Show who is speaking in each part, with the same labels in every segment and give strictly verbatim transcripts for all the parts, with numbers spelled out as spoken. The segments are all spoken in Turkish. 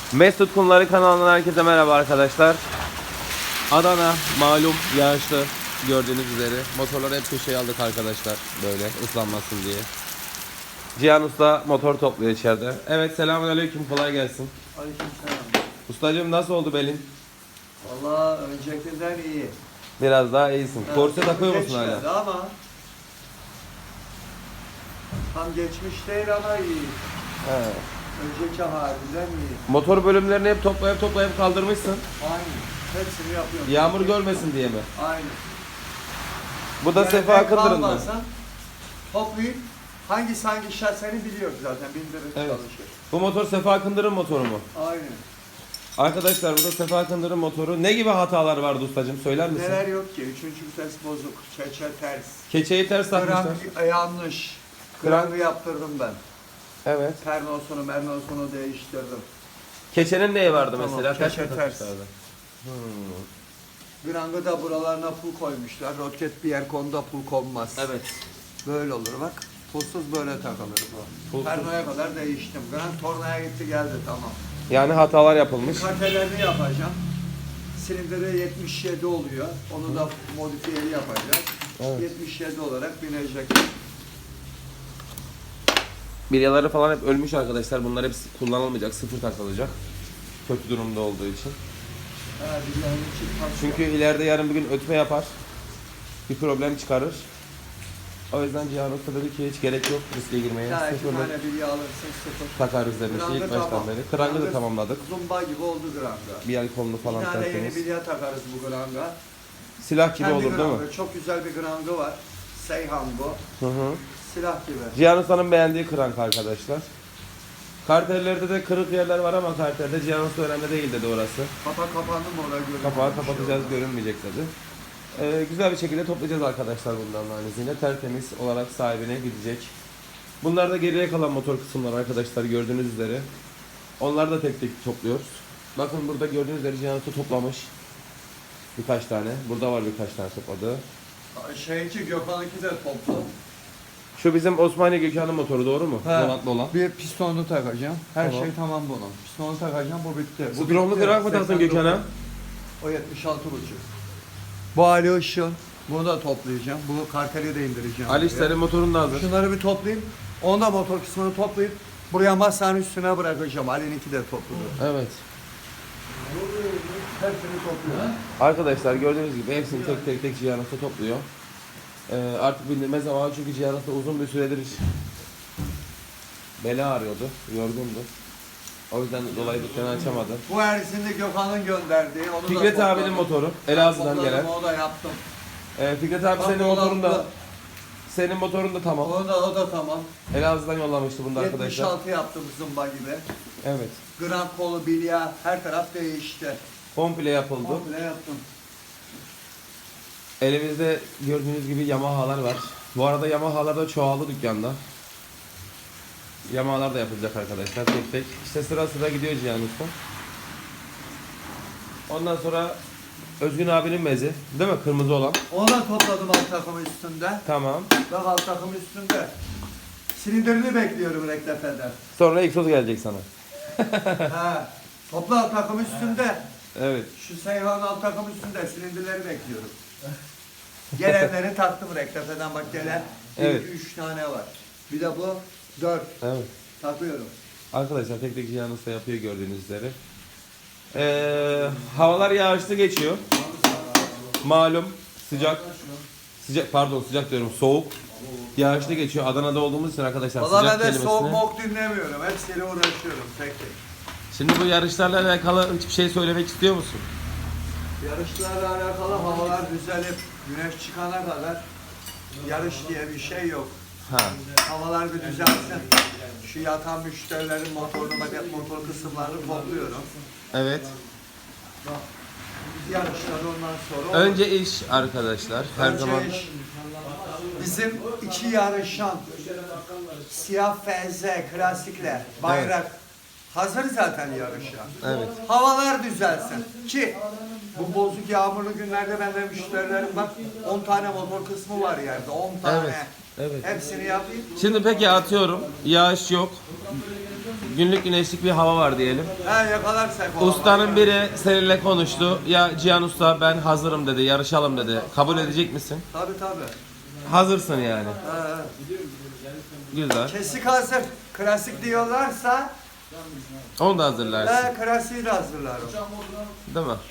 Speaker 1: Mesut Kumları kanalından herkese merhaba arkadaşlar. Adana malum yağışlı, gördüğünüz üzere. Motorları hep köşeye aldık arkadaşlar, böyle ıslanmasın diye. Cihan Usta motor topluyor içeride. Evet, selamünaleyküm, kolay gelsin.
Speaker 2: Aleykümselam.
Speaker 1: Ustacığım, nasıl oldu belin?
Speaker 2: Vallahi öncekinden iyi.
Speaker 1: Biraz daha iyisin.
Speaker 2: Evet,
Speaker 1: Korse
Speaker 2: tam
Speaker 1: takıyor musun
Speaker 2: geçmedi
Speaker 1: hala?
Speaker 2: Ama tam geçmiş değil ama iyi.
Speaker 1: He.
Speaker 2: Önceki halinden iyi.
Speaker 1: Motor bölümlerini hep toplayıp toplayıp kaldırmışsın.
Speaker 2: Aynı. Hepsini yapıyorum.
Speaker 1: Yağmur görmesin diye mi?
Speaker 2: Aynı.
Speaker 1: Bu da
Speaker 2: Yani
Speaker 1: Sefa
Speaker 2: ben
Speaker 1: Akındır'ın mı?
Speaker 2: kalmazsam Toplayıp hangisi hangi şahseni biliyoruz zaten. Bindirir
Speaker 1: Evet.
Speaker 2: çalışır.
Speaker 1: Bu motor Sefa Akındır'ın motoru mu?
Speaker 2: Aynı.
Speaker 1: Arkadaşlar, bu da Sefa Akındır'ın motoru. Ne gibi hatalar vardı ustacığım, söyler misin?
Speaker 2: Neler yok ki? Üçüncü vites bozuk. Çeçe ters.
Speaker 1: Keçeyi ters takmışlar.
Speaker 2: Krank yanlış.
Speaker 1: Krank-
Speaker 2: Krankı yaptırdım ben.
Speaker 1: Evet.
Speaker 2: Pernosunu mernosunu değiştirdim.
Speaker 1: Keçenin neyi vardı
Speaker 2: Tamam,
Speaker 1: mesela?
Speaker 2: keçe
Speaker 1: Ters mi
Speaker 2: ters.
Speaker 1: takmışlardı? Hmm.
Speaker 2: Grangı da buralarına pul koymuşlar. Roket bir yer konuda pul konmaz.
Speaker 1: Evet.
Speaker 2: Böyle olur bak. Pulsuz böyle takılır bu.
Speaker 1: Pulsuz.
Speaker 2: Pernoya kadar değiştim. Grang tornaya gitti geldi tamam.
Speaker 1: Yani hatalar yapılmış.
Speaker 2: Kartelerini yapacağım. Silindiri yetmiş yedi oluyor. Onu da modifiyeli yapacağız.
Speaker 1: Evet.
Speaker 2: yetmiş yedi olarak binecek.
Speaker 1: Bilyaları falan hep ölmüş arkadaşlar. Bunlar hepsi kullanılmayacak, sıfır takılacak. Kötü durumda olduğu için.
Speaker 2: Ha, bir yani çıkmaz.
Speaker 1: Çünkü ileride yarın bir gün ötme yapar. Bir problem çıkarır. O yüzden Cihan Usta dedi ki hiç gerek yok riske girmeye.
Speaker 2: Ya iki
Speaker 1: Sıfırla
Speaker 2: tane bilye alırsın sıfır.
Speaker 1: takarız demişti
Speaker 2: Grangı
Speaker 1: ilk baştan
Speaker 2: tamam.
Speaker 1: beri. Krangı da
Speaker 2: Grangı
Speaker 1: tamamladık.
Speaker 2: Zumba gibi oldu granga.
Speaker 1: Bir el kolunu
Speaker 2: Bir
Speaker 1: falan
Speaker 2: tane yeni
Speaker 1: tertemiz.
Speaker 2: bilye takarız bu granga.
Speaker 1: Silah gibi
Speaker 2: Kendi
Speaker 1: olur değil mi?
Speaker 2: grangı, çok güzel bir grangı var. Seyhan bu.
Speaker 1: Hı hı.
Speaker 2: Silah gibi.
Speaker 1: Cihan Usta'nın beğendiği krank arkadaşlar. Kartellerde de kırık yerler var ama kartelde Cihan Usta önemli değil dedi orası.
Speaker 2: Kapak kapandı mı oraya görünüyor.
Speaker 1: Kapağı
Speaker 2: Bir şey
Speaker 1: kapatacağız,
Speaker 2: olmaz.
Speaker 1: görünmeyecek dedi. Ee, güzel bir şekilde toplayacağız arkadaşlar bundan analizini. Tertemiz olarak sahibine gidecek. Bunlar da geriye kalan motor kısımları arkadaşlar, gördüğünüz üzere. Onları da tek tek topluyoruz. Bakın burada gördüğünüz üzere Cihan Usta toplamış. Birkaç tane. Burada var birkaç tane topladığı.
Speaker 2: Şeyci Gökhan'ınki de toplu.
Speaker 1: Şu bizim Osmaniye Gökhan'ın motoru, doğru mu?
Speaker 2: He.
Speaker 1: Donatlı olan.
Speaker 2: Bir pistonlu takacağım. Her
Speaker 1: Tamam.
Speaker 2: şey tamam bunun. Pistonu takacağım, bu bitti. Bu
Speaker 1: Stronlu
Speaker 2: bitti.
Speaker 1: krank mı taktın
Speaker 2: seksen dokuz.
Speaker 1: Gökhan'a?
Speaker 2: O yetmiş altı buçuk. Bu Ali Işıl. Bunu da toplayacağım. Bu karteli de indireceğim.
Speaker 1: Ali
Speaker 2: buraya.
Speaker 1: senin motorun da hazır.
Speaker 2: Şunları bir toplayayım. Onu da motor kısmını toplayıp buraya masanın üstüne bırakacağım. Ali'ninki de topluyor.
Speaker 1: Evet.
Speaker 2: Hepsini topluyor.
Speaker 1: Arkadaşlar gördüğünüz gibi hepsini tek tek tek Cihan Usta topluyor. Ee, artık bindirme zamanı, çünkü Cihan Usta uzun bir süredir beli ağrıyordu, yorgundu. O yüzden dolayı dükkanı açamadı.
Speaker 2: Bu erisini Gökhan'ın gönderdiği. Onu da
Speaker 1: Fikret
Speaker 2: topladım.
Speaker 1: abinin motoru, Elazığ'dan
Speaker 2: Topladım,
Speaker 1: gelen.
Speaker 2: onu da yaptım.
Speaker 1: Ee, Fikret abi
Speaker 2: Bak,
Speaker 1: senin
Speaker 2: o
Speaker 1: motorun da,
Speaker 2: da-
Speaker 1: senin motorun da tamam.
Speaker 2: Onu da, o da tamam.
Speaker 1: Elazığ'dan yollamıştı bunu da
Speaker 2: yetmiş
Speaker 1: arkadaşlar.
Speaker 2: altı yaptım zımba gibi.
Speaker 1: Evet.
Speaker 2: Grand kolu, bilya, her taraf değişti.
Speaker 1: Komple yapıldı.
Speaker 2: Komple yaptım.
Speaker 1: Elimizde gördüğünüz gibi Yamaha'lar var. Bu arada Yamaha'lar da çoğaldı dükkanda. Yamaha'lar da yapılacak arkadaşlar tek tek. İşte sıra sıra gidiyor Cihan Usta. Ondan sonra Özgün abinin mezi, değil mi? Kırmızı olan.
Speaker 2: Onu da topladım alt takımın üstünde.
Speaker 1: Tamam.
Speaker 2: Bak alt takımın üstünde. Silindirini bekliyorum reklefeden.
Speaker 1: Sonra egzoz gelecek sana.
Speaker 2: ha. Topla alt takım üstünde.
Speaker 1: Evet.
Speaker 2: Şu Seyhan alt takım üstünde silindirleri bekliyorum. Gelenleri taktım reklefeden, bak gelen
Speaker 1: Evet.
Speaker 2: iki üç tane var. Bir de bu dört
Speaker 1: Evet.
Speaker 2: takıyorum.
Speaker 1: Arkadaşlar tek tek Cihan Usta yapıyor gördüğünüz üzere. Ee, havalar yağışlı geçiyor. Malum sıcak. Sıcak pardon sıcak diyorum, soğuk. Yağışlı geçiyor. Adana'da olduğumuz için arkadaşlar
Speaker 2: Valla
Speaker 1: sıcak
Speaker 2: ben de
Speaker 1: kelimesini.
Speaker 2: soğuk mok dinlemiyorum. Hepsiyle uğraşıyorum tek tek.
Speaker 1: Şimdi bu yarışlarla alakalı hiçbir şey söylemek istiyor musun?
Speaker 2: Yarışlarla alakalı havalar düzelip güneş çıkana kadar yarış diye bir şey yok.
Speaker 1: Ha.
Speaker 2: Havalar bir düzelsin. Şu yatan müşterilerin motorunu, maket motor kısımlarını topluyorum.
Speaker 1: Evet.
Speaker 2: Bak, biz yarışlar ondan sonra...
Speaker 1: Önce iş arkadaşlar. Her
Speaker 2: Önce
Speaker 1: zaman.
Speaker 2: iş. Bizim iki yarışan siyah F Z klasikler, bayrak hazır zaten yarışa.
Speaker 1: Evet.
Speaker 2: Havalar düzelsin ki bu bozuk yağmurlu günlerde bende müşterilerim bak on tane motor kısmı var yerde, on tane.
Speaker 1: Evet. Evet.
Speaker 2: Hepsini yapayım.
Speaker 1: Şimdi peki atıyorum. Yağış yok. günlük güneşlik bir hava var diyelim.
Speaker 2: Ha yakalarsak o
Speaker 1: Ustanın
Speaker 2: hava.
Speaker 1: biri seninle konuştu. Ya Cihan Usta ben hazırım dedi, yarışalım dedi. Kabul edecek misin?
Speaker 2: Tabii tabii.
Speaker 1: Hazırsın yani.
Speaker 2: Ha,
Speaker 1: Güzel.
Speaker 2: kesik hazır. Klasik diyorlarsa
Speaker 1: Onu da hazırlarsın.
Speaker 2: ben klasiği de hazırlarım.
Speaker 1: Değil mi?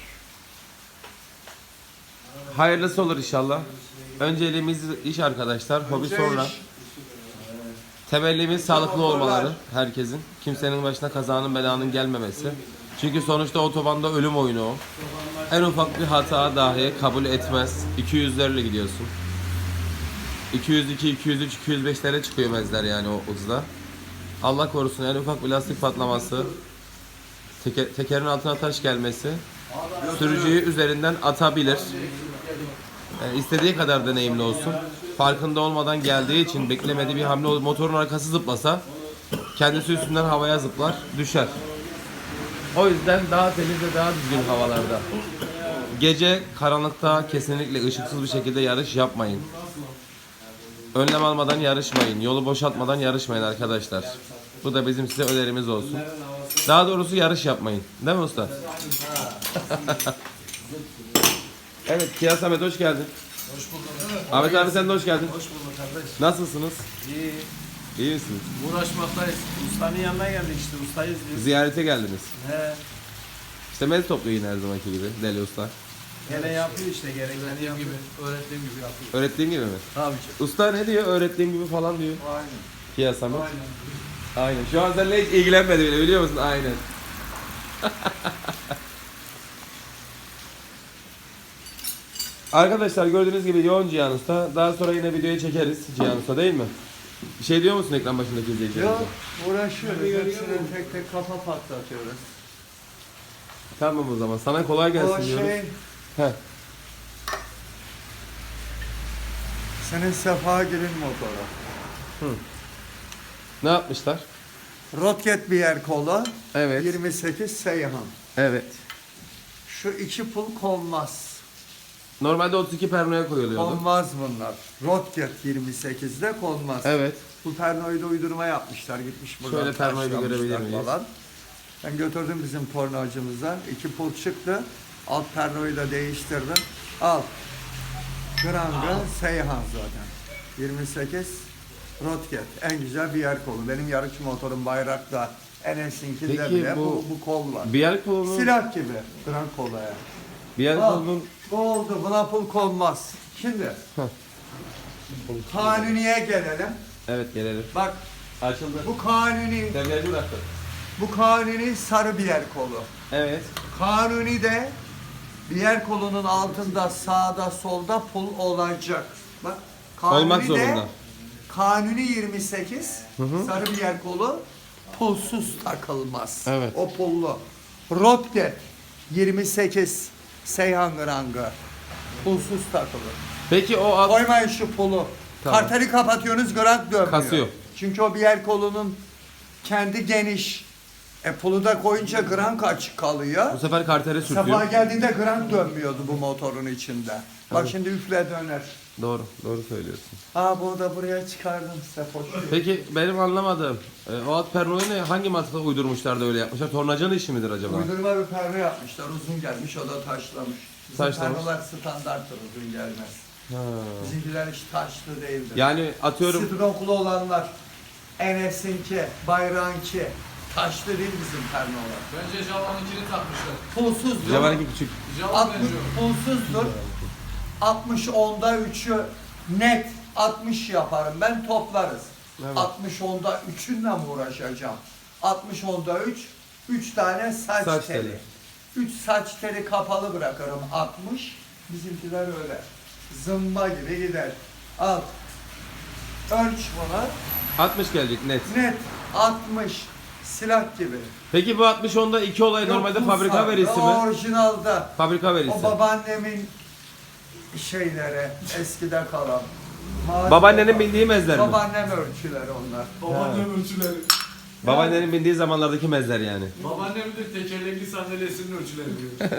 Speaker 1: Hayırlısı olur inşallah. Önceliğimiz iş arkadaşlar. Hobi
Speaker 2: Önce
Speaker 1: sonra.
Speaker 2: iş.
Speaker 1: Temellimiz sağlıklı
Speaker 2: motorlar.
Speaker 1: olmaları herkesin. Kimsenin başına kazanın belanın gelmemesi. Çünkü sonuçta otobanda ölüm oyunu o. En ufak bir hata dahi kabul etmez. iki yüzlerle gidiyorsun. iki yüz iki, iki yüz üç, iki yüz beşlere çıkıyor mezler yani o hızda. Allah korusun en ufak bir lastik patlaması, teke, tekerin altına taş gelmesi, sürücüyü üzerinden atabilir. Yani istediği kadar deneyimli olsun. Farkında olmadan geldiği için beklemediği bir hamle olur. Motorun arkası zıplasa kendisi üstünden havaya zıplar, düşer. O yüzden daha temiz ve daha düzgün havalarda. Gece karanlıkta kesinlikle ışıksız bir şekilde yarış yapmayın. Önlem almadan yarışmayın. Yolu boşaltmadan yarışmayın arkadaşlar. Bu da bizim size önerimiz olsun. Daha doğrusu yarış yapmayın. Değil mi usta? Evet, Kia Samet hoş geldin.
Speaker 3: Hoş bulduk.
Speaker 1: Ahmet abi sen de hoş geldin.
Speaker 3: Hoş bulduk kardeş.
Speaker 1: Nasılsınız?
Speaker 3: İyi.
Speaker 1: İyi misiniz?
Speaker 3: Uğraşmaktayız. Ustanın yanına geldik işte. Ustayız diyor.
Speaker 1: Ziyarete geldiniz.
Speaker 3: He.
Speaker 1: İşte mez topluyor yine her zamanki gibi deli usta.
Speaker 3: Gene yapıyor işte gerekeni yapıyor. Gibi, öğrettiğim gibi yapıyor.
Speaker 1: Öğrettiğim gibi mi?
Speaker 3: Tabii ki.
Speaker 1: Usta ne diyor? Öğrettiğim gibi falan diyor.
Speaker 3: Aynen.
Speaker 1: Kia Samet.
Speaker 3: Aynen.
Speaker 1: Aynen. Şu an seninle hiç ilgilenmedi bile biliyor musun? Aynen. Arkadaşlar gördüğünüz gibi yoğun Cihan Usta. Daha sonra yine videoyu çekeriz Cihan Usta değil mi? Bir şey diyor musun ekran başındaki izleyicilerimize?
Speaker 2: Yok uğraşıyoruz. Hepsine tek tek kafa patlatıyoruz.
Speaker 1: Tamam o zaman. Sana kolay gelsin
Speaker 2: O
Speaker 1: diyoruz.
Speaker 2: şey
Speaker 1: Heh.
Speaker 2: senin Sefa Gül'ün motoru.
Speaker 1: Ne yapmışlar?
Speaker 2: Roket bir yer kolu.
Speaker 1: Evet.
Speaker 2: yirmi sekiz Seyhan.
Speaker 1: Evet.
Speaker 2: Şu iki pul konmaz.
Speaker 1: Normalde otuz iki pernoya koyuluyordu.
Speaker 2: Konmaz bunlar. Roket yirmi sekizde konmaz.
Speaker 1: Evet.
Speaker 2: Bu pernoyu da uydurma yapmışlar. Gitmiş buradan
Speaker 1: Şöyle pernoyu bir
Speaker 2: taşlamışlar
Speaker 1: görebilir miyiz?
Speaker 2: falan. Ben götürdüm bizim tornacımızdan. İki pul çıktı. Alt pernoyu da değiştirdim. Al. Granga Seyhan zaten. yirmi sekiz Roket. En güzel bir yer kolu. Benim yarış motorum bayrakta. Enes'inkinde
Speaker 1: Peki
Speaker 2: bile bu,
Speaker 1: bu-
Speaker 2: bu kol var.
Speaker 1: Bir yer kolunun,
Speaker 2: Silah gibi. Gran kolaya.
Speaker 1: bir yer
Speaker 2: Al.
Speaker 1: kolunun
Speaker 2: Bu oldu. Buna pul konmaz. Şimdi kanuniye gelelim.
Speaker 1: evet gelelim.
Speaker 2: Bak
Speaker 1: Açıldı.
Speaker 2: bu kanuni,
Speaker 1: Devriyacı bıraktı.
Speaker 2: bu kanuni sarı bir yer kolu.
Speaker 1: Evet.
Speaker 2: Kanuni de diğer kolunun altında sağda solda pul olacak. Bak kanuni
Speaker 1: Olmak
Speaker 2: de
Speaker 1: zorunda.
Speaker 2: kanuni yirmi sekiz
Speaker 1: hı.
Speaker 2: sarı bir yer kolu pulsuz takılmaz.
Speaker 1: Evet.
Speaker 2: O pullu. Rotget yirmi sekiz Seyhan Grangı pulsuz takılır.
Speaker 1: Peki o alt...
Speaker 2: Koymayın şu pulu.
Speaker 1: Tamam.
Speaker 2: Karteli kapatıyorsunuz grant dönmüyor.
Speaker 1: Kasıyor.
Speaker 2: Çünkü o bir yer kolunun kendi geniş. E pulu da koyunca grant açık kalıyor.
Speaker 1: Bu sefer kartere
Speaker 2: Sabah
Speaker 1: sürtüyor.
Speaker 2: geldiğinde grant dönmüyordu bu motorun içinde. Bak şimdi üfle döner.
Speaker 1: Doğru, doğru söylüyorsun.
Speaker 2: Aa bunu da buraya çıkardım Sefoş.
Speaker 1: Peki benim anlamadığım, e, o alt pernoyu ne, hangi mantıkla uydurmuşlar da öyle yapmışlar? Tornacanın işi midir acaba?
Speaker 2: Uydurma bir perde yapmışlar. Uzun gelmiş o da taşlamış. Bizim
Speaker 1: Taşlamış.
Speaker 2: perdeler standarttır uzun gelmez.
Speaker 1: Ha.
Speaker 2: Bizimkiler hiç taşlı değildir.
Speaker 1: Yani atıyorum,
Speaker 2: Sidroklu olanlar. Enes'inki, Bayrağınki. Taşlı değil bizim pernolar.
Speaker 3: Bence Java'nınkini takmışlar.
Speaker 2: Pulsuzdur.
Speaker 1: Javan'ınki küçük.
Speaker 3: Java
Speaker 2: altmış
Speaker 3: benziyor.
Speaker 2: pulsuzdur. altmış onda üçü net altmış yaparım ben toplarız.
Speaker 1: Evet.
Speaker 2: altmış onda üçünle mi uğraşacağım? altmış onda üç, üç tane saç,
Speaker 1: Saç
Speaker 2: teli.
Speaker 1: teli.
Speaker 2: üç saç teli kapalı bırakırım altmış. Bizimkiler öyle. Zımba gibi gider. Al. Ölç bunu.
Speaker 1: altmış gelecek net.
Speaker 2: Net altmış. Silah gibi.
Speaker 1: Peki bu altmış onda iki olay
Speaker 2: Yok,
Speaker 1: normalde
Speaker 2: bu
Speaker 1: fabrika
Speaker 2: farklı.
Speaker 1: verisi
Speaker 2: O
Speaker 1: mi?
Speaker 2: orijinalda.
Speaker 1: Fabrika verisi.
Speaker 2: O babaannemin şeyleri eskide kalan. Mağaza-
Speaker 1: Babaannenin bindiği mezler mi?
Speaker 2: Babaannem ölçüleri onlar.
Speaker 3: Babaannem ölçüleri.
Speaker 1: Babaannenin bindiği zamanlardaki mezler yani.
Speaker 3: Babaannem de tekerlekli sandalyesinin ölçüleri diyor.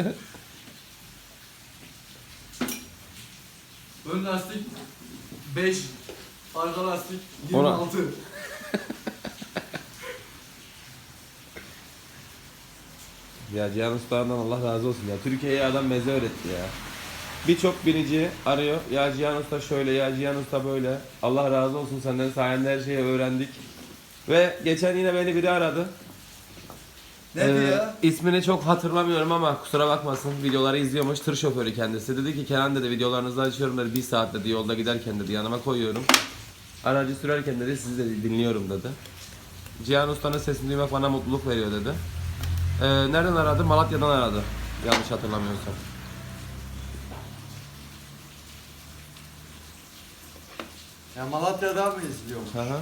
Speaker 3: Ön lastik beş, arka lastik yirmi altı.
Speaker 1: Ya Cihan Usta'dan Allah razı olsun ya. Türkiye'ye adam meze öğretti ya. Birçok binici arıyor. Ya Cihan Usta şöyle, ya Cihan Usta böyle. Allah razı olsun senden, sayende her şeyi öğrendik. Ve geçen yine beni biri aradı.
Speaker 2: Ne
Speaker 1: Ee,
Speaker 2: diyor?
Speaker 1: ismini çok hatırlamıyorum ama kusura bakmasın, videoları izliyormuş, tır şoförü kendisi. Dedi ki Kenan dedi, videolarınızı açıyorum dedi, bir saat dedi, yolda giderken dedi yanıma koyuyorum. Aracı sürerken dedi sizi de dinliyorum dedi. Cihan Usta'nın sesini duymak bana mutluluk veriyor dedi. Ee, nereden aradı? Malatya'dan aradı. Yanlış hatırlamıyorsam.
Speaker 2: Ya Malatya'dan mı izliyormuş?
Speaker 1: Hı hı.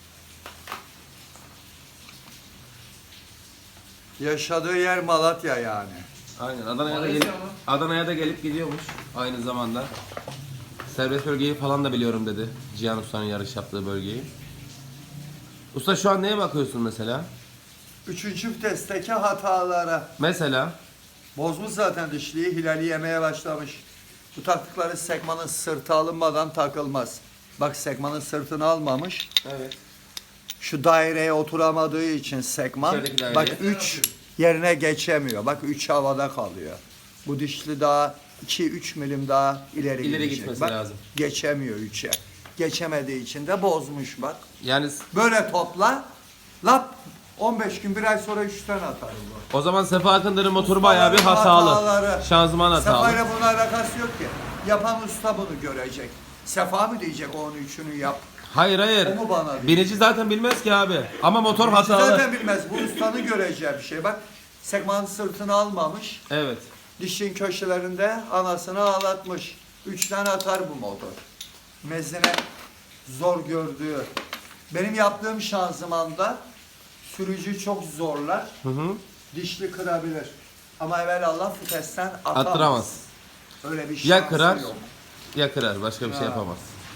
Speaker 2: Yaşadığı yer Malatya yani.
Speaker 1: Aynen. Adana'ya da
Speaker 3: Malezya
Speaker 1: gelip,
Speaker 3: mı?
Speaker 1: Adana'ya da gelip gidiyormuş aynı zamanda. Serbest bölgeyi falan da biliyorum dedi. Cihan Usta'nın yarış yaptığı bölgeyi. Usta şu an neye bakıyorsun mesela?
Speaker 2: Üçüncü vitesteki hatalara.
Speaker 1: Mesela
Speaker 2: Bozmuş zaten dişliği, hilali yemeye başlamış. Bu taktıkları sekmanın sırtı alınmadan takılmaz. Bak sekmanın sırtını almamış.
Speaker 1: evet.
Speaker 2: Şu daireye oturamadığı için sekman,
Speaker 1: İçerideki daireye.
Speaker 2: bak üç yerine geçemiyor. Bak üç havada kalıyor. Bu dişli daha iki üç milim daha ileri,
Speaker 1: İleri
Speaker 2: gidecek.
Speaker 1: gitmesi
Speaker 2: Bak,
Speaker 1: lazım.
Speaker 2: geçemiyor üçe. Geçemediği için de bozmuş bak.
Speaker 1: Yani
Speaker 2: Böyle topla, lap on beş gün bir ay sonra üçten atar bu.
Speaker 1: o zaman Sefa Akındır'ın motoru bayağı bir hatalı.
Speaker 2: Hataları.
Speaker 1: Şanzıman hatalı.
Speaker 2: Sefa'yla bunun alakası yok ki. Yapan usta bunu görecek. Sefa mı diyecek onun üçünü yap?
Speaker 1: Hayır hayır.
Speaker 2: O mu bana diyor?
Speaker 1: Binici zaten bilmez ki abi. Ama motor
Speaker 2: Hiç
Speaker 1: hatalı.
Speaker 2: zaten bilmez. Bu ustanın göreceği bir şey. Bak sekmanın sırtını almamış.
Speaker 1: Evet.
Speaker 2: Dişin köşelerinde anasını ağlatmış. Üçten atar bu motor. Mezine zor gördüğü. Benim yaptığım şanzımanda sürücü çok zorlar.
Speaker 1: Hı hı.
Speaker 2: Dişli kırabilir. Ama evvelallah vitesten atamaz.
Speaker 1: Attıramaz.
Speaker 2: Öyle bir şansı
Speaker 1: Ya kırar
Speaker 2: yok.
Speaker 1: ya kırar. Başka bir şey
Speaker 2: Ha.
Speaker 1: yapamaz.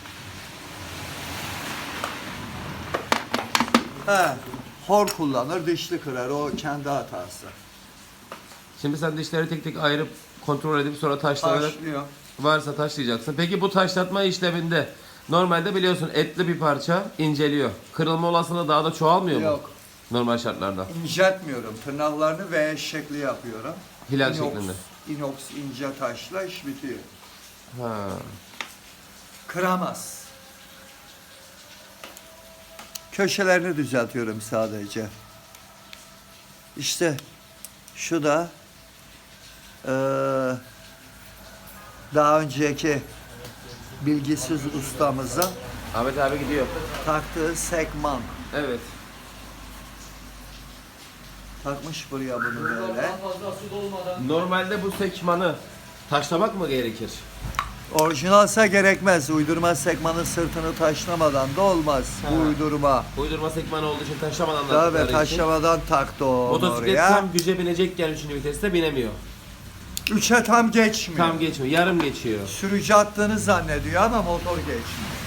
Speaker 2: He, hor kullanır, dişli kırar. O kendi hatası.
Speaker 1: Şimdi sen dişleri tek tek ayırıp kontrol edip sonra taşlanarak
Speaker 2: Başlıyor.
Speaker 1: varsa taşlayacaksın. Peki bu taşlatma işleminde normalde biliyorsun etli bir parça inceliyor. Kırılma olasılığı daha da çoğalmıyor mu?
Speaker 2: Yok.
Speaker 1: Normal şartlarda.
Speaker 2: İnceltmiyorum. Tırnaklarını V şekli yapıyorum.
Speaker 1: Hilal
Speaker 2: inox,
Speaker 1: şeklinde.
Speaker 2: inox ince taşla iş bitiyor.
Speaker 1: Ha.
Speaker 2: Kıramaz. Köşelerini düzeltiyorum sadece. İşte şu da eee, daha önceki bilgisiz ustamızın
Speaker 1: Ahmet abi gidiyor.
Speaker 2: taktığı sekman.
Speaker 1: Evet.
Speaker 2: Takmış buraya bunu böyle.
Speaker 3: Daha fazla su dolmadan.
Speaker 1: Normalde bu sekmanı taşlamak mı gerekir?
Speaker 2: Orijinalse gerekmez. Uydurma sekmanın sırtını taşlamadan da olmaz.
Speaker 1: Ha.
Speaker 2: Bu uydurma.
Speaker 1: Uydurma sekmanı olduğu için taşlamadan
Speaker 2: Tabii
Speaker 1: taktıkları için.
Speaker 2: taşlamadan taktı o onu
Speaker 1: Motosiklet
Speaker 2: oraya.
Speaker 1: tam güce binecekken üçüncü viteste binemiyor.
Speaker 2: Üçe tam geçmiyor.
Speaker 1: Tam geçmiyor. Yarım geçiyor.
Speaker 2: Sürücü attığını zannediyor ama motor geçmiyor.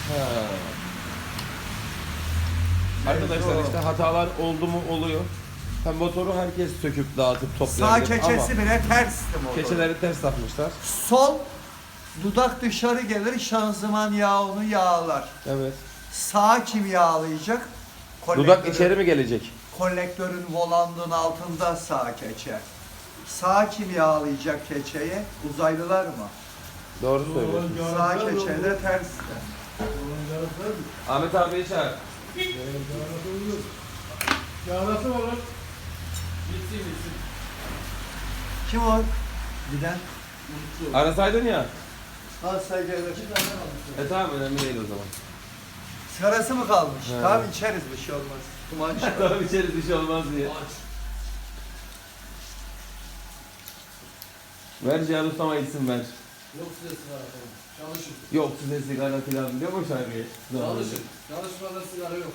Speaker 1: Arkadaşlar
Speaker 2: Evet,
Speaker 1: işte hatalar oldu mu oluyor. Hem motoru herkes söküp dağıtıp
Speaker 2: Sağ
Speaker 1: toplayabilir
Speaker 2: keçesi
Speaker 1: ama
Speaker 2: bile tersti motor.
Speaker 1: keçeleri ters takmışlar.
Speaker 2: Sol dudak dışarı gelir, şanzıman yağı onu yağlar.
Speaker 1: Evet.
Speaker 2: Sağ kim yağlayacak?
Speaker 1: Dudak içeri mi gelecek?
Speaker 2: Kolektörün volanının altında sağ keçe. Sağ kim yağlayacak keçeyi? Uzaylılar mı?
Speaker 1: Doğru söylüyorsun.
Speaker 2: Sağ keçe de tersti.
Speaker 1: Ahmet abiyi çağır.
Speaker 3: Yarası var lan. Bitsin bitsin.
Speaker 2: Kim o? Giden.
Speaker 1: Arasaydın ya.
Speaker 2: Ha sen gelir.
Speaker 1: E tamam, önemli değil o zaman.
Speaker 2: Sigarası mı kalmış?
Speaker 1: He.
Speaker 2: Tamam içeriz, bir şey olmaz. Duman çıkar.
Speaker 1: Tamam, içeriz bir şey olmaz diye.
Speaker 3: Aç.
Speaker 1: Ver Cihan Ustama gitsin ver.
Speaker 3: Yok size sigara falan. Çalışın.
Speaker 1: Yok size sigara filan biliyor mu şarkıyı?
Speaker 3: Çalışın. Çalışmada sigara yok.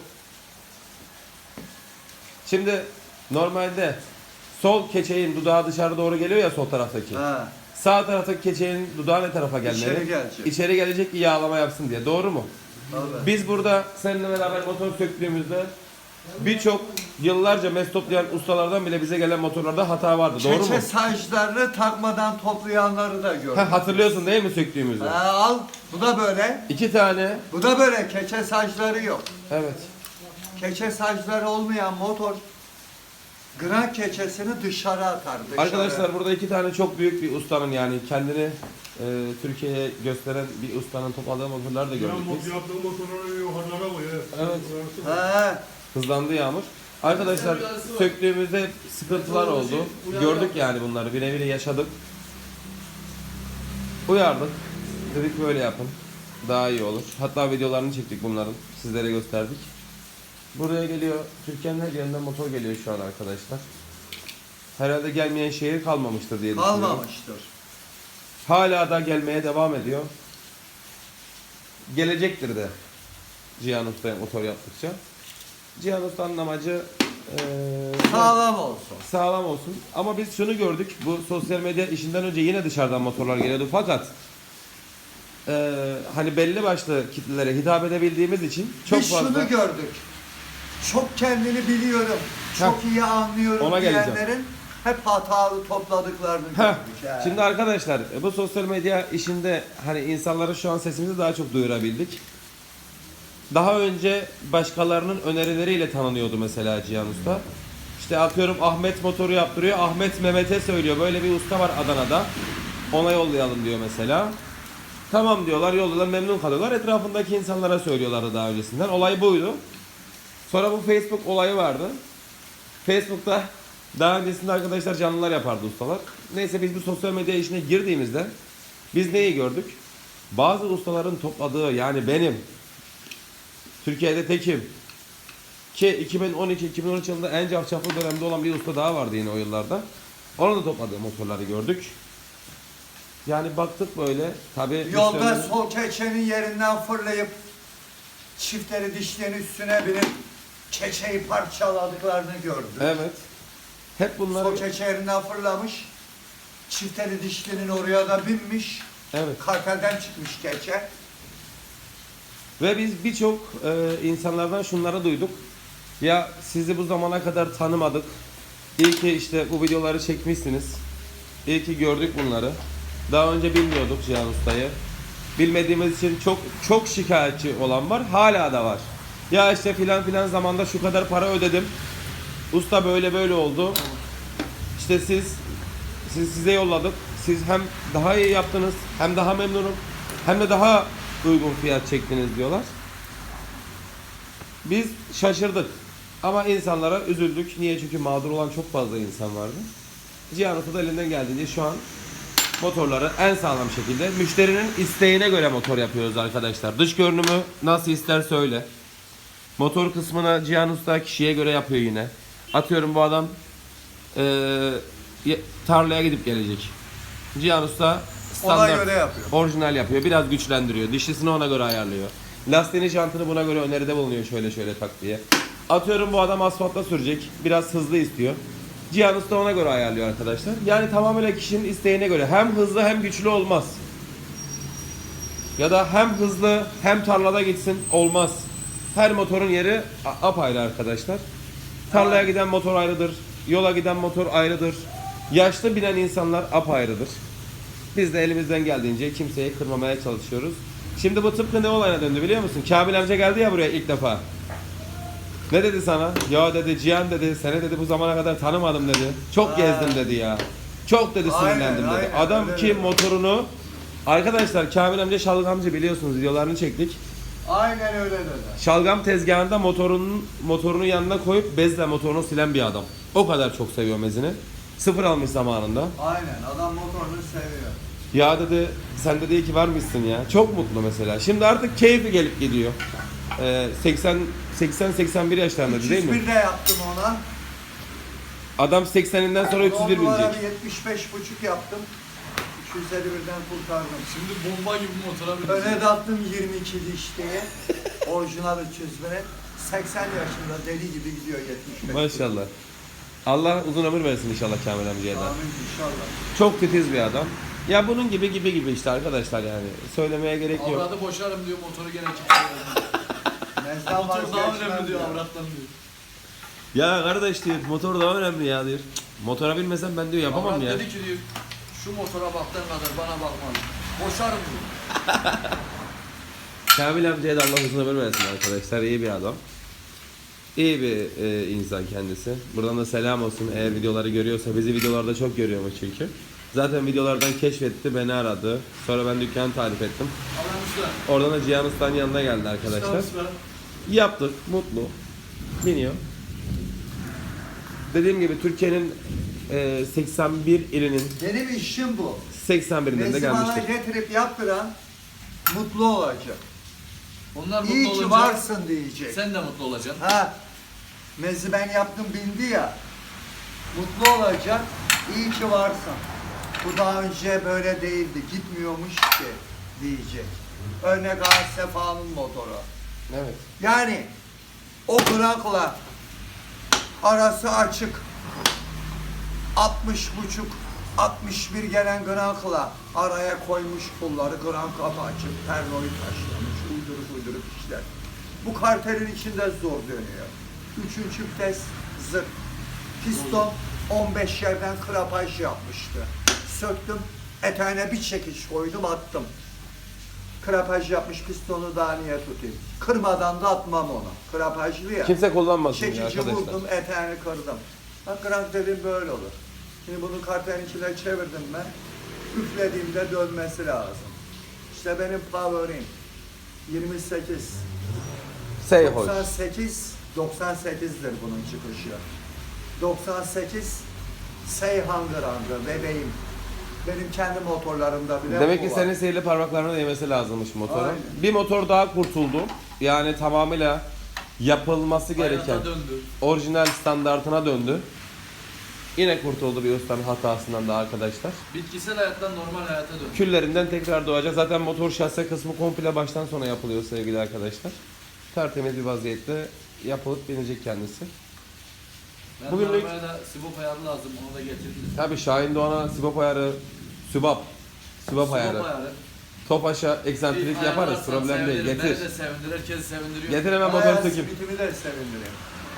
Speaker 1: Şimdi normalde sol keçeğin dudağı dışarı doğru geliyor ya, sol taraftaki.
Speaker 2: Ha.
Speaker 1: Sağ taraftaki keçeğin dudağı ne tarafa gelmeli?
Speaker 2: İçeri gelecek.
Speaker 1: İçeri gelecek ki yağlama yapsın diye. Doğru mu?
Speaker 2: Tabii.
Speaker 1: Biz burada seninle beraber motor söktüğümüzde birçok yıllarca mes toplayan ustalardan bile bize gelen motorlarda hata vardı. Doğru mu?
Speaker 2: Keçe saçlarını takmadan toplayanları da gördüm.
Speaker 1: Ha, hatırlıyorsun değil mi söktüğümüzü?
Speaker 2: Ha, al. Bu da böyle.
Speaker 1: İki tane.
Speaker 2: Bu da böyle. Keçe saçları yok.
Speaker 1: Evet.
Speaker 2: Keçe saçları olmayan motor Gran keçesini dışarı atar. Dışarı.
Speaker 1: Arkadaşlar burada iki tane çok büyük bir ustanın yani kendini e, Türkiye'ye gösteren bir ustanın topladığı motorları da gördük biz.
Speaker 4: Yaptığı motorları yukarılara koyuyor.
Speaker 1: Evet.
Speaker 2: He.
Speaker 1: Hızlandı Yağmur. Arkadaşlar söktüğümüzde sıkıntılar oldu. Gördük yani bunları. Bire bire yaşadık. Uyardık. Dedik böyle yapın. Daha iyi olur. Hatta videolarını çektik bunların. Sizlere gösterdik. Buraya geliyor. Türkiye'nin her yerinden motor geliyor şu an arkadaşlar. Herhalde gelmeyen şehir kalmamıştır diye düşünüyorum.
Speaker 2: Kalmamıştır.
Speaker 1: Hala da gelmeye devam ediyor. Gelecektir de Cihan Usta'ya motor yaptıkça. Cihan Usta'nın amacı eee,
Speaker 2: Sağlam olsun.
Speaker 1: sağlam olsun. Ama biz şunu gördük. Bu sosyal medya işinden önce yine dışarıdan motorlar geliyordu. Fakat eee, hani belli başlı kitlelere hitap edebildiğimiz için çok
Speaker 2: Biz
Speaker 1: fazla...
Speaker 2: şunu gördük. Çok kendini biliyorum. Çok iyi anlıyorum
Speaker 1: Ona geleceğim.
Speaker 2: diyenlerin hep hatalı topladıklarını
Speaker 1: Heh,
Speaker 2: gördük. he.
Speaker 1: Şimdi arkadaşlar bu sosyal medya işinde hani insanlara şu an sesimizi daha çok duyurabildik. Daha önce başkalarının önerileriyle tanınıyordu mesela Cihan Usta. İşte atıyorum Ahmet motoru yaptırıyor. Ahmet Mehmet'e söylüyor. Böyle bir usta var Adana'da. Ona yollayalım diyor mesela. Tamam diyorlar, yolluyorlar, memnun kalıyorlar. Etrafındaki insanlara söylüyorlardı daha öncesinden. Olay buydu. Sonra bu Facebook olayı vardı. Facebook'ta daha öncesinde arkadaşlar canlılar yapardı ustalar. Neyse biz bu sosyal medya işine girdiğimizde biz neyi gördük? Bazı ustaların topladığı yani benim Türkiye'de tekim ki iki bin on iki iki bin on üç yılında en cafcaflı dönemde olan bir usta daha vardı yine o yıllarda. Onun da topladığı motorları gördük. Yani baktık böyle tabi
Speaker 2: Yolda sol keçenin yerinden fırlayıp çiftleri dişlerin üstüne binip keçeyi parçaladıklarını gördük.
Speaker 1: Evet. Hep bunları
Speaker 2: Sol keçe yerinden fırlamış. Çiftleri dişlinin oraya da binmiş.
Speaker 1: evet.
Speaker 2: Kartelden çıkmış keçe.
Speaker 1: Ve biz birçok e, insanlardan şunları duyduk. Ya sizi bu zamana kadar tanımadık. İyi ki işte bu videoları çekmişsiniz. İyi ki gördük bunları. Daha önce bilmiyorduk Cihan Usta'yı. Bilmediğimiz için çok çok şikayetçi olan var. Hala da var. Ya işte filan filan zamanda şu kadar para ödedim. Usta böyle böyle oldu. İşte siz, siz size yolladık. Siz hem daha iyi yaptınız, hem daha memnunum, hem de daha uygun fiyat çektiniz diyorlar. Biz şaşırdık. Ama insanlara üzüldük. Niye? Çünkü mağdur olan çok fazla insan vardı. Cihan Usta da elinden geldiğince şu an motorları en sağlam şekilde müşterinin isteğine göre motor yapıyoruz arkadaşlar. Dış görünümü nasıl isterse öyle. Motor kısmına Cihan Usta kişiye göre yapıyor yine. Atıyorum bu adam eee, tarlaya gidip gelecek. Cihan Usta
Speaker 2: Ona
Speaker 1: standart
Speaker 2: göre yapıyor.
Speaker 1: orijinal yapıyor. Biraz güçlendiriyor. Dişlisini ona göre ayarlıyor. Lastiğini, jantını buna göre öneride bulunuyor, şöyle şöyle tak diye. Atıyorum bu adam asfaltta sürecek. Biraz hızlı istiyor. Cihan Usta ona göre ayarlıyor arkadaşlar. Yani tamamen kişinin isteğine göre. Hem hızlı hem güçlü olmaz. Ya da hem hızlı hem tarlada gitsin olmaz. Her motorun yeri a- apayrı arkadaşlar. Tarlaya giden motor ayrıdır. Yola giden motor ayrıdır. Yaşlı binen insanlar apayrıdır. Biz de elimizden geldiğince kimseyi kırmamaya çalışıyoruz. Şimdi bu tıpkı ne olayına döndü biliyor musun? Kamil amca geldi ya buraya ilk defa. Ne dedi sana? Ya dedi Cihan dedi, seni dedi bu zamana kadar tanımadım dedi. Çok
Speaker 2: Ha.
Speaker 1: gezdim dedi ya. Çok dedi
Speaker 2: Aynen,
Speaker 1: sinirlendim dedi.
Speaker 2: aynen,
Speaker 1: Adam
Speaker 2: öyle
Speaker 1: ki
Speaker 2: dedi.
Speaker 1: motorunu arkadaşlar Kamil amca şalgamcı biliyorsunuz, videolarını çektik.
Speaker 2: Aynen öyle dedi.
Speaker 1: Şalgam tezgahında motorunun motorunu yanına koyup bezle motorunu silen bir adam. O kadar çok seviyor mezini. Sıfır almış zamanında.
Speaker 2: Aynen, adam motorunu seviyor.
Speaker 1: Ya dedi sen de iyi ki varmışsın ya. Çok mutlu mesela. Şimdi artık keyfi gelip gidiyor. Ee, seksen seksen seksen bir yaşlarında değil mi?
Speaker 2: üç yüz bir de yaptım ona.
Speaker 1: Adam sekseninden sonra üç yüz bir
Speaker 2: Onlara
Speaker 1: binecek.
Speaker 2: bir yetmiş beş buçuk yaptım. üç yüz elli birden kurtardım.
Speaker 3: Şimdi bomba gibi motora bir
Speaker 2: Öne de attım yirmi iki dişliğe. Orijinal üç yüz bine. seksen yaşında deli gibi gidiyor yetmiş beş.
Speaker 1: Maşallah. Allah uzun ömür versin inşallah Kamil amcaya da.
Speaker 2: Amin inşallah.
Speaker 1: Çok titiz bir adam. Ya bunun gibi gibi gibi işte arkadaşlar yani. Söylemeye gerek yok.
Speaker 3: avradı boşarım diyor, motoru gene kimse.
Speaker 2: Mezdan
Speaker 3: Motor daha
Speaker 2: vazgeçmem
Speaker 3: önemli diyor
Speaker 2: diyor.
Speaker 3: avrattan diyor.
Speaker 1: Ya kardeş diyor motor daha önemli ya diyor. Motora binmesem ben diyor yapamam
Speaker 3: Avrat
Speaker 1: ya.
Speaker 3: dedi ki diyor, şu motora baktığın kadar bana bakma. Boşarım diyor.
Speaker 1: Kamil amcaya da Allah uzun ömür versin arkadaşlar. İyi bir adam. İyi bir e, insan kendisi. Buradan da selam olsun eğer videoları görüyorsa. Bizi videolarda çok görüyormuş çünkü. Zaten videolardan keşfetti, beni aradı. Sonra ben dükkanı tarif ettim.
Speaker 3: Alanımızda.
Speaker 1: Oradan da Cihan Usta'nın yanına geldi arkadaşlar.
Speaker 3: Usta.
Speaker 1: Yaptık, mutlu. Biniyor. Dediğim gibi Türkiye'nin e, seksen bir ilinin
Speaker 2: Benim işim bu.
Speaker 1: seksen birinden de
Speaker 2: Mezi bana
Speaker 1: gelmiştir.
Speaker 2: getirip yaptıran mutlu olacak.
Speaker 3: Onlar mutlu
Speaker 2: İyi ki
Speaker 3: olunca
Speaker 2: varsın diyecek.
Speaker 3: sen de mutlu olacaksın.
Speaker 2: Ha, mezi ben yaptım bindi ya. Mutlu olacak. İyi ki varsın. Bu daha önce böyle değildi. Gitmiyormuş ki diyecek. Örnek ağaç Sefa'nın motoru.
Speaker 1: Evet.
Speaker 2: Yani o bırakla arası açık altmış buçuk altmış bir gelen grakla araya koymuş pulları gran kapı açıp pernoyu taşlamış uydurup uydurup işler. Bu kartelin içinde zor dönüyor. Üçüncü vites zırt. Piston on beş yerden krapaj yapmıştı. Söktüm, eteğine bir çekiş koydum attım. Krapaj yapmış pistonu daha niye tutayım? Kırmadan da atmam onu. Krapajlı ya.
Speaker 1: Kimse kullanmasın ya
Speaker 2: Çekici
Speaker 1: arkadaşlar.
Speaker 2: vurdum, eteğini kırdım. Bak krank dedim böyle olur. Şimdi bunu kartelin içine çevirdim ben. Üflediğimde dönmesi lazım. İşte benim power'im yirmi sekiz.
Speaker 1: Say hoş.
Speaker 2: doksan sekiz, doksan sekizdir bunun çıkışı. doksan sekiz Seyhan Grand'ı bebeğim. Benim kendi motorlarımda bile
Speaker 1: Demek
Speaker 2: bu
Speaker 1: ki
Speaker 2: var.
Speaker 1: senin sihirli parmaklarına değmesi lazımmış motorun.
Speaker 2: Aynen.
Speaker 1: Bir motor daha kurtuldu. Yani tamamıyla yapılması gereken
Speaker 3: Hayata döndü.
Speaker 1: orijinal standartına döndü. Yine kurtuldu bir ustanın hatasından da arkadaşlar.
Speaker 3: Bitkisel hayattan normal hayata döndü.
Speaker 1: Küllerinden tekrar doğacak. Zaten motor şase kısmı komple baştan sona yapılıyor sevgili arkadaşlar. Tertemiz bir vaziyette yapılıp binecek kendisi.
Speaker 3: Ben
Speaker 1: Bugünlük-
Speaker 3: Bugünlük... arabaya da sibop ayarı lazım, onu da getirdim.
Speaker 1: Tabii Şahin Doğan'a sibop ayarı, sübap, sübap ayarı,
Speaker 3: Sibop ayarı.
Speaker 1: top aşağı eksantrik
Speaker 3: Bir
Speaker 1: yaparız,
Speaker 3: ayarlarsan
Speaker 1: problem değil.
Speaker 3: sevinirim.
Speaker 1: Getir.
Speaker 3: Beni de sevindir, herkesi sevindiriyor.
Speaker 1: Getir hemen
Speaker 2: Bayağı
Speaker 1: motoru sökeyim.
Speaker 2: simitimi de sevindireyim.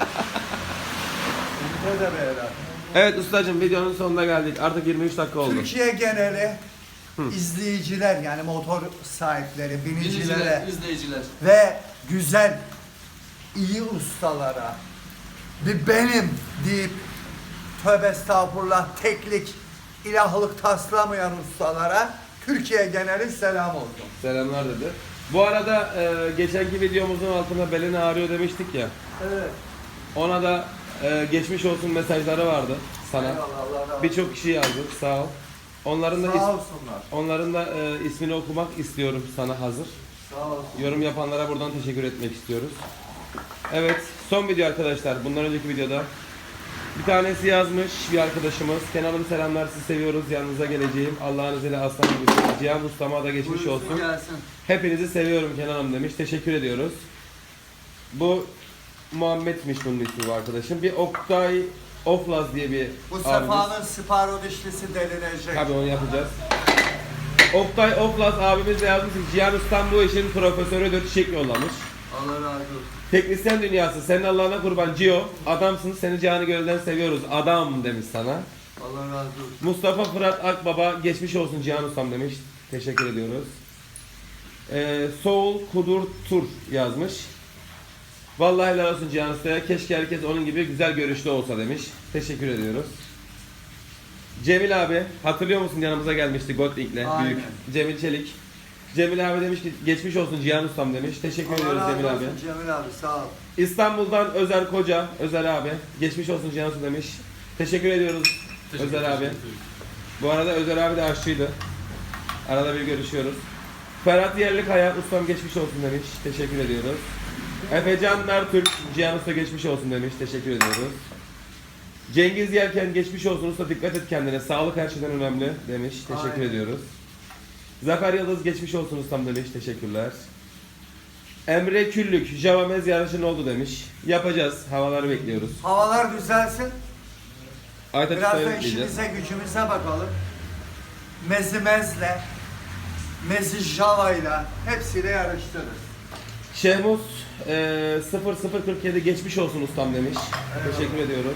Speaker 2: Simite de beyler.
Speaker 1: Evet ustacığım videonun sonuna geldik. Artık yirmi üç dakika oldu.
Speaker 2: Türkiye geneli izleyiciler yani motor sahipleri, binicilere
Speaker 3: Dinleyiciler, izleyiciler.
Speaker 2: ve güzel, iyi ustalara bir benim deyip tövbe estağfurullah teklik, ilahlık taslamayan ustalara Türkiye geneli selam olsun.
Speaker 1: Selamlar dedi. Bu arada e, geçenki videomuzun altına belini ağrıyor demiştik ya.
Speaker 2: Evet.
Speaker 1: Ona da e, geçmiş olsun mesajları vardı sana.
Speaker 2: Eyvallah, Allah razı olsun.
Speaker 1: Birçok kişi yazdı. Sağ ol. Onların da
Speaker 2: Sağ
Speaker 1: is-
Speaker 2: olsunlar.
Speaker 1: onların da e, ismini okumak istiyorum sana hazır.
Speaker 2: Sağ olsun.
Speaker 1: Yorum yapanlara buradan teşekkür etmek istiyoruz. Evet, son video arkadaşlar. Bundan önceki videoda bir tanesi yazmış bir arkadaşımız. Kenalım selamlar, sizi seviyoruz. Yanınıza geleceğim. Allah'ın izniyle aslan gibi. Cihan Ustama da geçmiş
Speaker 2: Buyursun
Speaker 1: olsun.
Speaker 2: gelsin.
Speaker 1: Hepinizi seviyorum Kenan'ım demiş. Teşekkür ediyoruz. Bu Muhammed'miş bunun ismi bu arkadaşım. Bir Oktay Oflaz diye bir
Speaker 2: Bu
Speaker 1: abimiz.
Speaker 2: Sefa'nın sparo dişlisi delinecek.
Speaker 1: Tabii onu yapacağız. Oktay Oflaz abimiz de yazmış ki Cihan Ustam bu işin profesörüdür. Çiçek yollamış.
Speaker 2: Allah razı olsun.
Speaker 1: Teknisyen dünyası senin Allah'ına kurban Cio. Adamsın seni canı gönülden seviyoruz. Adam demiş sana.
Speaker 2: Allah razı olsun.
Speaker 1: Mustafa Fırat Akbaba geçmiş olsun Cihan Ustam demiş. Teşekkür ediyoruz. Ee, Soul Kudur Tur yazmış. Vallahi helal olsun Cihan Usta'ya. Keşke herkes onun gibi güzel görüşlü olsa demiş. Teşekkür ediyoruz. Cemil abi hatırlıyor musun yanımıza gelmişti Goldlink'le
Speaker 2: Aynen.
Speaker 1: büyük. Cemil Çelik. Cemil abi demiş ki geçmiş olsun Cihan Ustam demiş. Teşekkür
Speaker 2: Allah
Speaker 1: ediyoruz
Speaker 2: razı
Speaker 1: Cemil abi.
Speaker 2: olsun Cemil abi sağ ol.
Speaker 1: İstanbul'dan Özer Koca, Özer abi. Geçmiş olsun Cihan Ustam demiş. Teşekkür ediyoruz
Speaker 3: Teşekkür
Speaker 1: Özer
Speaker 3: ederim.
Speaker 1: abi. Bu arada Özer abi de aşçıydı. Arada bir görüşüyoruz. Ferhat Yerlikaya, ustam geçmiş olsun demiş. Teşekkür ediyoruz. Efecan Mertürk, Cihan Usta geçmiş olsun demiş. Teşekkür ediyoruz. Cengiz Yelken geçmiş olsun usta dikkat et kendine. Sağlık her şeyden önemli demiş. Teşekkür
Speaker 2: Aynen.
Speaker 1: ediyoruz. Zafer Yıldız geçmiş olsun ustam demiş. Teşekkürler. Emre Küllük, Java Mez yarışın oldu demiş. Yapacağız. Havaları bekliyoruz.
Speaker 2: Havalar düzelsin.
Speaker 1: Aytaç
Speaker 2: Biraz
Speaker 1: Usta'ya
Speaker 2: da
Speaker 1: bekleyeceğiz.
Speaker 2: işimize gücümüze bakalım. Mezimezle, Mezi Java'yla hepsiyle yarıştırırız.
Speaker 1: Şehmuz e, sıfır sıfır kırk yedi geçmiş olsun ustam demiş. Teşekkür ediyoruz.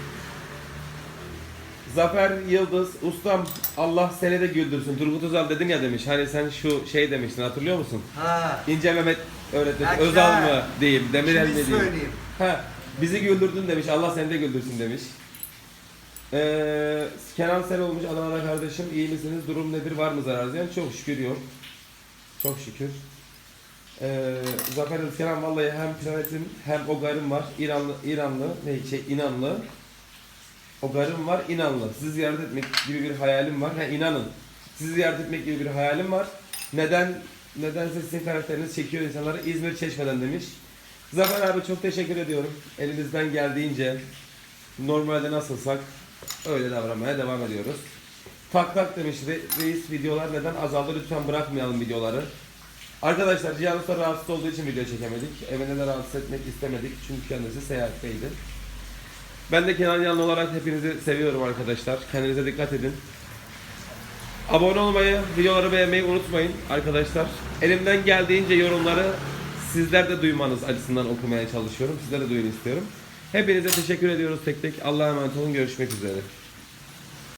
Speaker 1: Zafer Yıldız, ustam Allah seni de güldürsün. Turgut Özal dedin ya demiş. Hani sen şu şey demiştin hatırlıyor musun?
Speaker 2: Ha.
Speaker 1: İnce Mehmet öğretmen.
Speaker 2: Ha,
Speaker 1: Özal
Speaker 2: güzel.
Speaker 1: mı diyeyim, Demirel mi
Speaker 2: Şimdi
Speaker 1: diyeyim?
Speaker 2: söyleyeyim.
Speaker 1: Ha, Bizi güldürdün demiş. Allah seni de güldürsün demiş. Ee, Kenan Sel olmuş. Adana'da kardeşim. İyi misiniz? Durum nedir? Var mı zarar diyen? Çok şükür yok. Çok şükür. Ee, Zafer Kenan vallahi hem planetim hem o garım var. İranlı, İranlı, ne şey inanlı. O garım var, inanlı. Sizi ziyaret etmek gibi bir hayalim var. Ha, inanın. Sizi ziyaret etmek gibi bir hayalim var. Neden? Nedense sizin karakteriniz çekiyor insanları. İzmir Çeşme'den demiş. Zafer abi çok teşekkür ediyorum. Elimizden geldiğince normalde nasılsak öyle davranmaya devam ediyoruz. Tak tak demiş Re- reis videolar neden azaldı? Lütfen bırakmayalım videoları. Arkadaşlar Cihan Usta rahatsız olduğu için video çekemedik. Evine de rahatsız etmek istemedik. Çünkü kendisi seyahatteydi. Ben de Kenan Yanlı olarak hepinizi seviyorum arkadaşlar. Kendinize dikkat edin. Abone olmayı, videoları beğenmeyi unutmayın arkadaşlar. Elimden geldiğince yorumları sizler de duymanız açısından okumaya çalışıyorum. Sizler de duyun istiyorum. Hepinize teşekkür ediyoruz tek tek. Allah'a emanet olun. Görüşmek üzere.